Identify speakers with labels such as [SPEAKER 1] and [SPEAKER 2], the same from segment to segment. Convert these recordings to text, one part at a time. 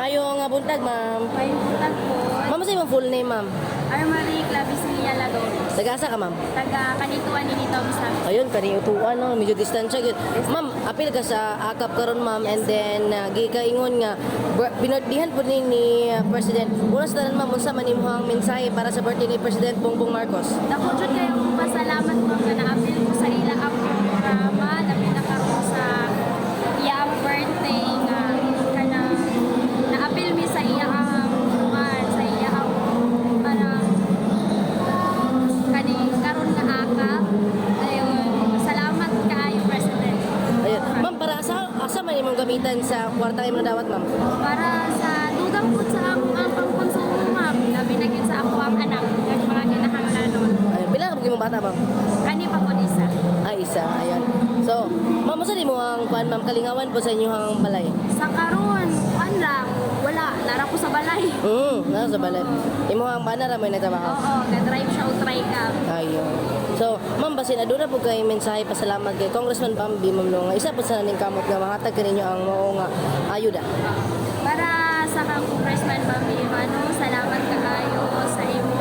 [SPEAKER 1] Mayong buntag, ma'am.
[SPEAKER 2] May buntag po.
[SPEAKER 1] Ma'am, sa imong full name, ma'am?
[SPEAKER 2] Armory Clavicilia Ladores.
[SPEAKER 1] Tagasa ka, ma'am?
[SPEAKER 2] Taga Kanituan ni Nito Bisam.
[SPEAKER 1] Ayun, kaniutuan, no? Medyo distansya. Good. Ma'am, apil ka sa akap karon ma'am, and then, gikaingon nga, binardihan po ni President. Una sa tanan, ma'am, unsa man imong mensahe para sa birthday ni President Bongbong Marcos?
[SPEAKER 2] Dako jud kayo pasalamat po nga na-appeal ko sa ila ang programa. Labi na karon sa iyang birthday nga kana na-appeal mi sa iya ang sa iya ang para kani karon nga akap. Ayun, salamat kaayo President.
[SPEAKER 1] Ayun. Ma'am, para asa man imong gamitan sa kwarta imong dawat, ma'am?
[SPEAKER 2] Para sa dugang po sa akong ang pangkonsumo ma'am, labi na gyud sa ako ang anak kag mga kinahanglanon.
[SPEAKER 1] Ayun. Pila ka imong bata, ma'am?
[SPEAKER 2] Kani pa po isa.
[SPEAKER 1] Isa. Ayun. So, ma'am, saan mo ang kuan, ma'am? Kalingawan po sa inyong balay?
[SPEAKER 2] Sa karon, kuan lang, wala, nara ko sa balay.
[SPEAKER 1] Nasa sa balay. Imo ang banara mo nagtrabaho?
[SPEAKER 2] Oo, ga-drive siya o try ka.
[SPEAKER 1] Ayun. So, ma'am, basin aduna po kay mensahe pasalamat kay Congressman Bambi, ma'am, no, nga isa po sa naning kamot nga mahatag kaninyo ang mao nga ayuda.
[SPEAKER 2] Para sa kang Congressman Bambi, salamat kaayo sa imo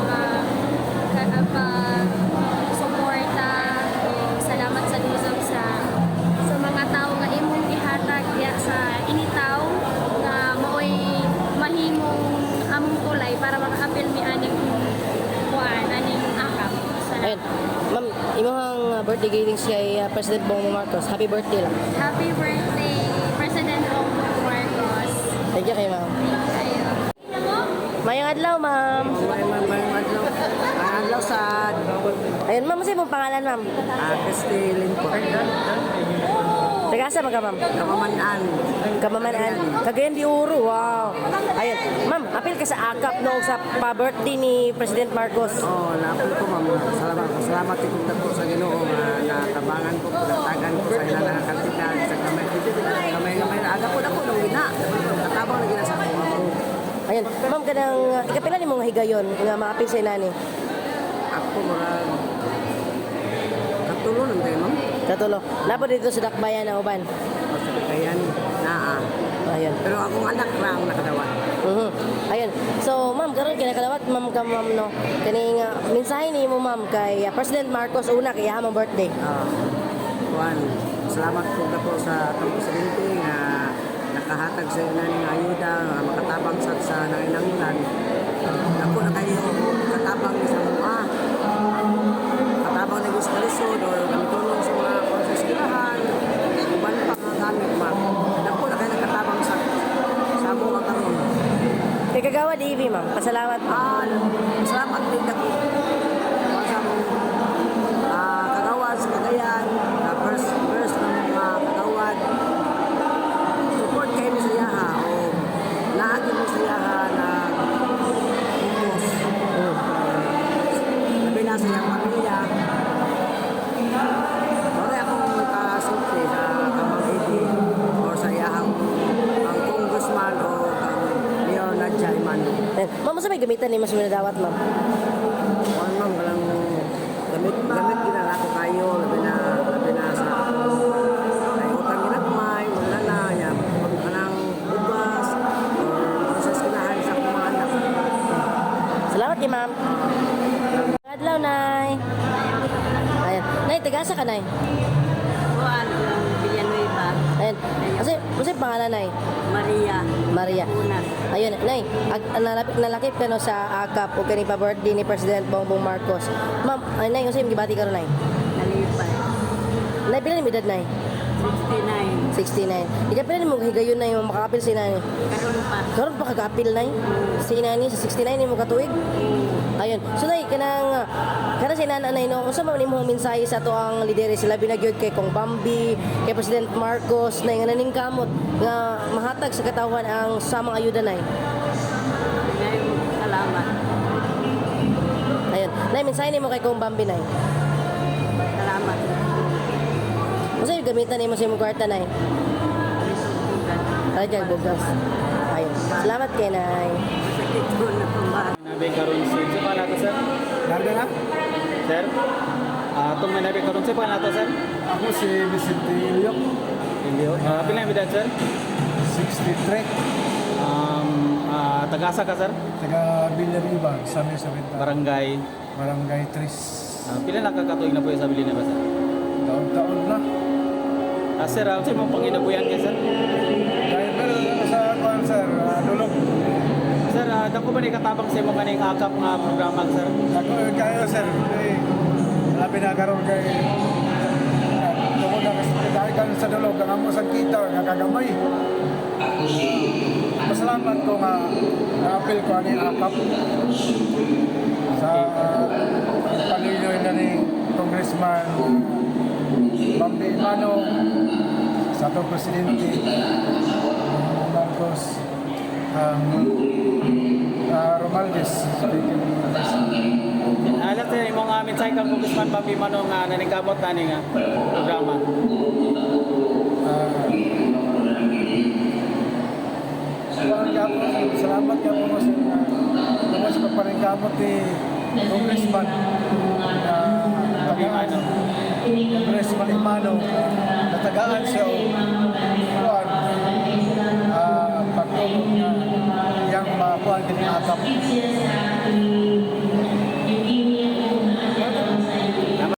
[SPEAKER 2] suporta. Salamat sa dusog sa mga tao nga imong ihatag diya sa initaw nga maoy mahimong among tulay para maka-appeal mi aning kuan aning akap.
[SPEAKER 1] Ayun. Ma'am, imong birthday greetings kay President Bongbong Marcos. Happy birthday lang.
[SPEAKER 2] Happy birthday, President Bongbong Marcos.
[SPEAKER 1] Thank you kay ma'am.
[SPEAKER 2] Kayo.
[SPEAKER 1] Mayong adlaw, ma'am.
[SPEAKER 3] Mayong adlaw. Adlaw sa
[SPEAKER 1] Ayun, ma'am, sa imong pangalan, ma'am?
[SPEAKER 3] Castilin po.
[SPEAKER 1] Tagasa ka, ma'am?
[SPEAKER 3] Kamamanaan.
[SPEAKER 1] Kamamanaan. Cagayan de Oro, wow. Ayun, ma'am, apil ka sa akap no sa pa-birthday ni President Marcos.
[SPEAKER 3] Napil ko ma'am. Salamat ikong po sa Ginoo nga natabangan ko, natagan ko sa ilang nakakantikan sa kamay. Kamay na aga po na po nung gina. Katabang na gina sa ako.
[SPEAKER 1] Ayun, ma'am, kanang ikapila ni mong higayon nga maapil sa inani.
[SPEAKER 3] Ako mga katulong ng tayo ma'am.
[SPEAKER 1] Katulo. Lapo dito sa Dakbayan na uban.
[SPEAKER 3] Ayan, naa.
[SPEAKER 1] Ayun.
[SPEAKER 3] Pero akong anak lang nakadawat.
[SPEAKER 1] Ayun. So, ma'am, karon kinakalawat, ma'am, ka, ma'am, no? Kani nga, mensahe ni mo, ma'am, kay President Marcos una kay hamong birthday.
[SPEAKER 3] Juan, salamat po na po sa atong presidente nga nakahatag sa ina ng ayuda, makatabang sa nanginangunan. Ako na kayo, katabang sa mga katabang na gusto kalisod o gamitulong sa mga konsesirahan, uban pa mga gamit ma. Ako na kayo nakatabang sa mga karon.
[SPEAKER 1] Kay Kagawa DV, ma'am. Pasalamat po.
[SPEAKER 3] Salamat din ako sa mga kagawad sa Cagayan, first ng mga kagawad. Support kayo ni sa yaha o naagin mo sa yaha na umos. Sabi na sa iyang pamilya. Wala akong kasulti sa Kamang Edi o sa yahang ang congressman o ang Mayor Nadja Imano.
[SPEAKER 1] Ayun. Ma'am, sa may gamitan ni mas minadawat, ma'am?
[SPEAKER 3] Kuan ma'am, walang gamit ginala ko kayo, labi na sa ay utang ginagmay, wala na, yan, kanang ubas, or sa eskinahan sa akong mga anak.
[SPEAKER 1] Salamat kay ma'am. Adlaw, Nay. Ayun. Nay, tagasa ka, Nay.
[SPEAKER 2] Kuan Villanueva,
[SPEAKER 1] Ayun. Kasi pangalan, Nay?
[SPEAKER 2] Maria.
[SPEAKER 1] Maria. Ayun, Nay. Nalakip ka no sa akap o kani pa birthday ni President Bongbong Marcos. Ma'am, ay, Nay, kasi yung gibati ka ron, Nay.
[SPEAKER 2] Nalipay.
[SPEAKER 1] Nay, pila ni edad, Nay?
[SPEAKER 2] 69.
[SPEAKER 1] 69. Ika pila ni mo higayon na yung makakapil si Nani.
[SPEAKER 2] Karon pa.
[SPEAKER 1] Karon pa kagapil, Nay. Si Nani sa 69 ni mo katuig. Ayun. So, Nay, kanang si Nanay, no, unsa man imong mensahe sa to ang lidere sila binagyod kay Kong Bambi, kay President Marcos, Nay, nga naning kamot nga mahatag sa katawan ang samang ayuda, Nay.
[SPEAKER 2] Salamat.
[SPEAKER 1] Ayun. Nay, mensahe nimo kay Kong Bambi, Nay.
[SPEAKER 2] Salamat.
[SPEAKER 1] Unsa yung gamitan nimo sa imong kwarta, Nay? Rajag bugas. Ayun. Salamat kay Nay.
[SPEAKER 2] Sakit ko na pambahan.
[SPEAKER 4] Nabi karon sa pa nato sir.
[SPEAKER 3] Darga na?
[SPEAKER 4] Sir. Atong may nabi karon sa pa nato sir.
[SPEAKER 3] Ako si Vicente Ilyok,
[SPEAKER 4] Pila ang edad sir?
[SPEAKER 3] 63.
[SPEAKER 4] Tagasa ka sir?
[SPEAKER 5] taga Villariba, San Luis Oriental,
[SPEAKER 4] Barangay.
[SPEAKER 5] Barangay Tris.
[SPEAKER 4] Pila na kakatuig na po sa Villanova sir?
[SPEAKER 5] Taon-taon na.
[SPEAKER 4] Sir, sa mong panginabuyan kayo sir?
[SPEAKER 5] Driver sa kuan sir, Dulog.
[SPEAKER 4] Sir, dako ba ni katabang sa imong kaning akap nga programa sir?
[SPEAKER 5] Ako kayo sir, labi na karon kay tungod na kasi kan sa Dulog ang amo sa kita nga kagamay. Pasalamat ko nga na-appeal ko ani akap sa pagpalinoy na ni Congressman Bambi Manong sa ato Presidente Marcos Romualdez speaking
[SPEAKER 4] Alam sir, imong mensahe kang Congressman Bambi Manong nga naningkamot na nga programa.
[SPEAKER 5] Salamat ka po sa pagparingkamot ni Congressman Congressman Imano natagaan siya kuwan pagtulong na yang makuha din akap